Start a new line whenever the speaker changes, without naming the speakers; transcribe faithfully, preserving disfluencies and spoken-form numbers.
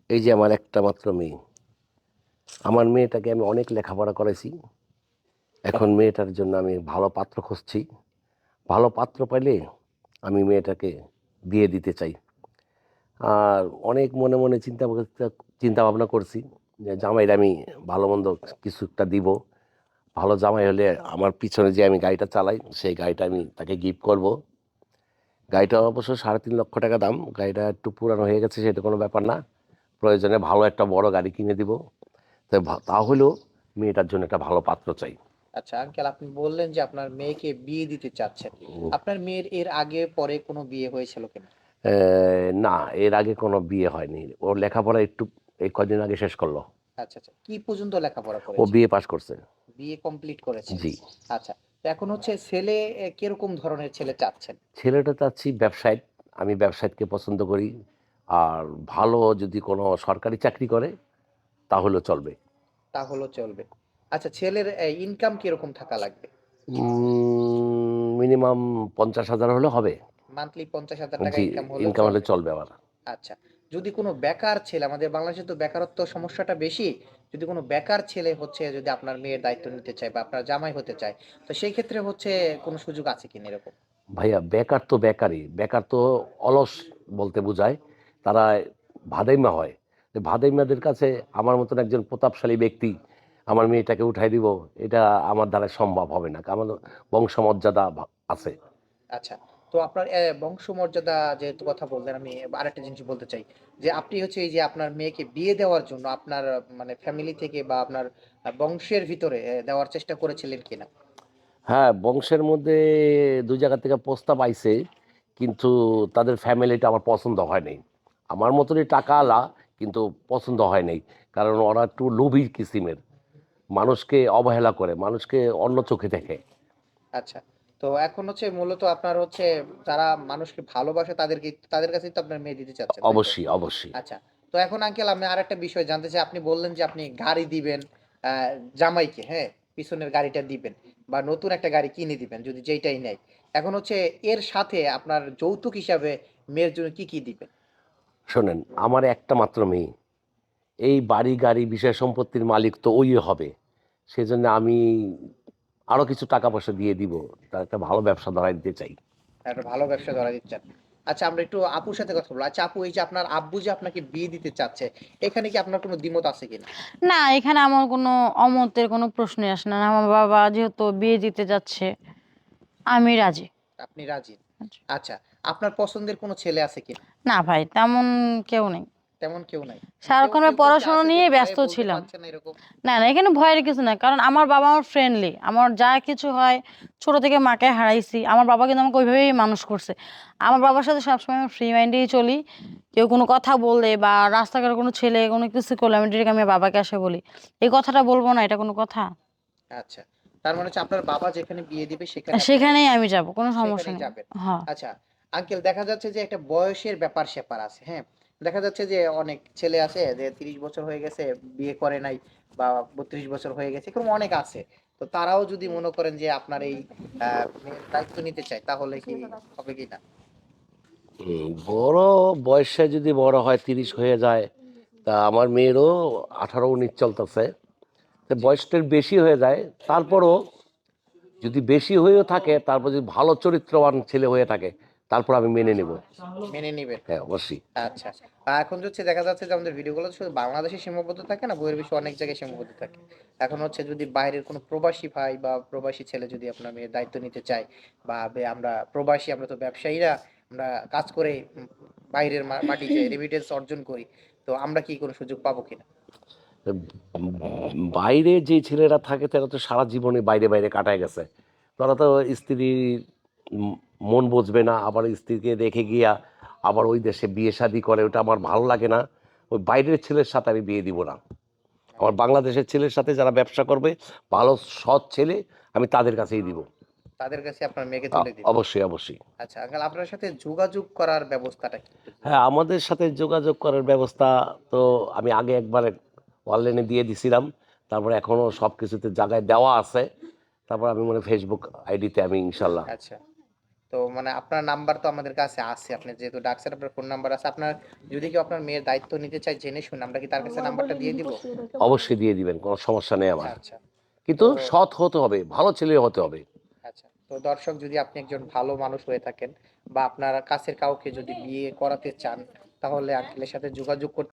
এই যে আমার একটা মাত্র মেয়ে, আমার মেয়েটাকে আমি অনেক লেখাপড়া করেছি। এখন মেয়েটার জন্য আমি ভালো পাত্র খুঁজছি। ভালো পাত্র পাইলে আমি মেয়েটাকে বিয়ে দিতে চাই। আর অনেক মনে, মনে চিন্তা ভাবনা চিন্তা ভাবনা করছি যে জামাইরে আমি ভালো-মন্দ কিছু একটা দিব। ভালো জামাই হলে আমার পিছনে যে আমি গাড়িটা চালাই, সেই গাড়িটা আমি তাকে গিফট করব। গাড়িটা অবশ্য সাড়ে তিন লক্ষ টাকা দাম। গাড়িটা একটু পুরানো হয়ে গেছে, সেটা কোনো ব্যাপার না। প্রয়োজনে ভালো একটা বড় গাড়ি কিনে দিব। তো ভা তাহলেও মেয়েটার জন্য একটা ভালো পাত্র চাই।
আচ্ছা আঙ্কেল, আপনি বললেন যে আপনার মেয়েকে বিয়ে দিতে চাচ্ছেন।
উম
আপনার মেয়ের এর আগে পরে কোনো বিয়ে হয়েছিল কিনা?
অ্যা না, এর আগে কোনো বিয়ে হয়নি। ওর লেখাপড়া একটু এই কয়দিন আগে শেষ করল।
আচ্ছা, আচ্ছা। কি পর্যন্ত লেখাপড়া
ও
করেছে?
বিএ পাস করছে।
বিএ কমপ্লিট করেছে।
জি।
আচ্ছা। তো এখন হচ্ছে ছেলে এ কিরকম ধরনের ছেলে চাচ্ছেন?
ছেলেটা চাচ্ছি ব্যবসায়িক। আমি ব্যবসায়িককে পছন্দ করি। আর ভালো যদি কোনো সরকারি চাকরি করে তাহলেও চলবে।
তাহলেও চলবে। আচ্ছা, ছেলের এ ইনকাম কিরকম থাকা লাগবে?
উম মিনিমাম পঞ্চাশ হাজার হলে হবে।
মান্থলি ৳পঞ্চাশ হাজার টাকা
জি,
ইনকাম হলেও
ইনকাম হলে
চলবে।
চলবে আমার।
আচ্ছা। যদি কোনো বেকার ছেলে, আমাদের বাংলাদেশে তো বেকারত্ব সমস্যাটা বেশি। যদি কোনো বেকার ছেলে হচ্ছে যদি আপনার মেয়ের দায়িত্ব নিতে চায় বা আপনার জামাই হতে চায়, তো সেই ক্ষেত্রে হচ্ছে কোনো সুযোগ আছে কিনা এরকম?
ভাইয়া বেকার তো বেকারই। বেকার তো অলস বলতে বোঝায়। তারা ভাদাইম্মা হয়। তো ভাদাইম্মাদের কাছে আমার মতন একজন প্রতাপশালী ব্যক্তি আমার মেয়েটাকে উঠায় দিব, এটা আমার দ্বারা সম্ভব হবে না। আমার বংশমর্যাদা ভা আছে।
আচ্ছা। তো আপনার অ্যা বংশমর্যাদা যেহেতু কথা বললেন, আমি আরেকটা জিনিস বলতে চাই। যে আপনি হচ্ছে এই যে আপনার মেয়েকে বিয়ে দেওয়ার জন্য আপনার আহ, মানে ফ্যামিলি থেকে বা আপনার আ বংশের ভিতরে অ্যা দেওয়ার চেষ্টা করেছিলেন কিনা?
হ্যাঁ, বংশের মধ্যে দুই জায়গা থেকে প্রস্তাব আইছে, কিন্তু তাদের ফ্যামিলিটা আমার পছন্দ হয় নাই। আমার মতনই টাকাওয়ালা, কিন্তু পছন্দ হয় নাই। কারণ ওরা একটু লোভী কিসিমের। মানুষকে অবহেলা করে, মানুষকে অন্য চোখে দেখে।
আচ্ছা। তো এখন হচ্ছে মূলত আপনার হচ্ছে যারা মানুষকে ভালোবাসে তাদেরকে তাদের কাছেই তো আপনার মেয়ে দিতে চাচ্ছেন, তাই তো?
অবশ্যই, অবশ্যই।
আচ্ছা। তো এখন আঙ্কেল আমি আরেকটা বিষয় জানতে চাই। আপনি বললেন যে আপনি গাড়ি দিবেন আ জামাইকে, হ্যাঁ? পিছনের গাড়িটা দিবেন বা নতুন একটা গাড়ি কিনে দিবেন যদি যেইটাই নেয়। এখন হচ্ছে এর সাথে আপনার যৌতুক হিসাবে মেয়ের জন্য কি, কি দিবেন?
শোনেন, আমার একটা মাত্র মেয়ে। এই বাড়ি, গাড়ি, বিষয় সম্পত্তির মালিক তো ওই হবে। সেজন্য আমি আরো কিছু টাকা-পয়সা দিয়ে দিব। তার একটা ভালো ব্যবসা ধরায় দিতে চাই।
একটা ভালো ব্যবসা ধরা দিচ্ছেন। আচ্ছা, আমরা একটু আপুর সাথে কথা বলব। আচ্ছা আপু, এই যে আপনার আব্বু যে আপনাকে বিয়ে দিতে চাচ্ছে, এখানে কি আপনার কোনো দ্বিমত আছে কিনা?
না, এখানে আমার কোনো অমতের কোনো প্রশ্নই আসে না। আমার বাবা যেহেতু বিয়ে দিতে যাচ্ছে, আমি রাজি।
আপনি রাজি। আচ্ছা, আপনার পছন্দের কোনো ছেলে আছে কিনা?
না ভাই, তেমন কেউ নেই।
তেমন কেউ নাই। কেউ
সারাক্ষণ আমি
কেউ কেউ কি
পড়াশোনা
আছে যে
নিয়ে
ভয়ে
ব্যস্ত
বলতে
ছিলাম।
পারছে না এরকম?
না, না, এখানে ভয়ের কিছু না। কারণ আমার বাবা আমার ফ্রেন্ডলি। আমার যা কিছু হয়, ছোট থেকে মাকে হারাইছি। আমার বাবা কিন্তু আমাকে ওইভাবেই মানুষ করছে। আমার বাবার সাথে সবসময় আমি ফ্রি মাইন্ডেই চলি। কেউ কোনো কথা বললে বা রাস্তাঘাটে কোনো ছেলে কোনো কিছু করলে আমি ডিরেক্ট আমি বাবাকে এসে বলি, এই কথাটা বলবো না, এটা কোনো কথা?
আচ্ছা। তার মানে হচ্ছে আপনার বাবা যেখানে বিয়ে দিবে
আর
সেখানে আপনারা
সেখানেই আমি যাব, কোনো সমস্যা
সেখানেই
নেই।
যাবেন।
হ্যাঁ।
আচ্ছা, আঙ্কেল দেখা যাচ্ছে যে একটা বয়সের ব্যাপার-স্যাপার আছে, হ্যাঁ? দেখা যাচ্ছে যে অনেক ছেলে আছে যে ত্রিশ বছর হয়ে গেছে, বিয়ে করে নাই বা বত্রিশ বছর হয়ে গেছে, এরকম অনেক আছে। তো তারাও যদি মনে করেন যে আপনার এই আ মেয়ের দায়িত্ব নিতে চায় তাহলে কি হবে কিনা?
হুম, বড় বয়সে যদি বড় হয়, ত্রিশ হয়ে যায়, তা আমার মেয়েরও আঠারো উনিশ চলতেছে। তো
জি।
বয়সটা বেশি হয়ে যায়, তারপরও যদি বেশি হয়েও থাকে, তারপর যদি ভালো চরিত্রবান ছেলে হয়ে থাকে, তারপর আমি মেনে নেব।
মেনে নিবেন।
হ্যাঁ, অবশ্যই।
আচ্ছা। আ এখন হচ্ছে দেখা যাচ্ছে যে আমাদের ভিডিওগুলো শুধু বাংলাদেশে সীমাবদ্ধ থাকে না, বহির্বিশ্বে অনেক জায়গায় সীমাবদ্ধ থাকে। এখন হচ্ছে যদি বাইরের কোনো প্রবাসী ভাই বা প্রবাসী ছেলে যদি আপনার মেয়ের দায়িত্ব নিতে চায় বা বে আমরা প্রবাসী, আমরা তো ব্যবসায়ীরা, আমরা কাজ করে উম বাইরের মা মাটিতে রেমিটেন্স অর্জন করি। তো আমরা কি কোনো সুযোগ পাবো কিনা?
বাইরে যে ছেলেরা থাকে তারা তো সারা জীবনে বাইরে বাইরে কাটায় গেছে। তারা তো স্ত্রীর উম মন বুঝবে না, আবার স্ত্রীকে রেখে গিয়া আবার ওই দেশে বিয়ে শাদী করে, ওটা আমার ভালো লাগে না। ওই বাইরের ছেলের সাথে আমি বিয়ে দিব না। আমার বাংলাদেশের ছেলের সাথে যারা ব্যবসা করবে, ভালো সৎ ছেলে, আমি তাদের কাছেই দিব।
তাদের কাছে আপনার মেয়েকে
আ
তুলে দিবেন।
অবশ্যই, অবশ্যই।
আচ্ছা আঙ্কেল, আপনার সাথে যোগাযোগ করার ব্যবস্থাটা কি একটু যদি
হ্যাঁ,
বলতেন?
আমাদের সাথে যোগাযোগ করার ব্যবস্থা তো আমি আগে একবার অনলাইনে দিয়ে দিছিলাম। তারপরে এখনো সবকিছুতে জায়গায় দেওয়া আছে। তারপর আমি মনে হয় ফেসবুক আইডিতে আমি ইনশাল্লাহ।
আচ্ছা। তো মানে আপনার নাম্বার তো আমাদের কাছে আছে, আপনি যেহেতু ডাকছেন আপনার ফোন নাম্বার আছে, আপনার যদি কেউ আপনার মেয়ের দায়িত্ব নিতে চায় জেনে শুনে, আমরা কি তার কাছে নাম্বারটা দিয়ে দিব?
অবশ্যই দিয়ে দিবেন, কোনো সমস্যা নেই আমার।
আচ্ছা।
কিন্তু
তো
সৎ হতে হবে, ভালো ছেলে হতে হবে।
আচ্ছা, তো দর্শক যদি আপনি একজন ভালো মানুষ হয়ে থাকেন বা আপনার কাছের কাউকে যদি বিয়ে করাতে চান, তাহলে আঙ্কেলের সাথে যোগাযোগ করতে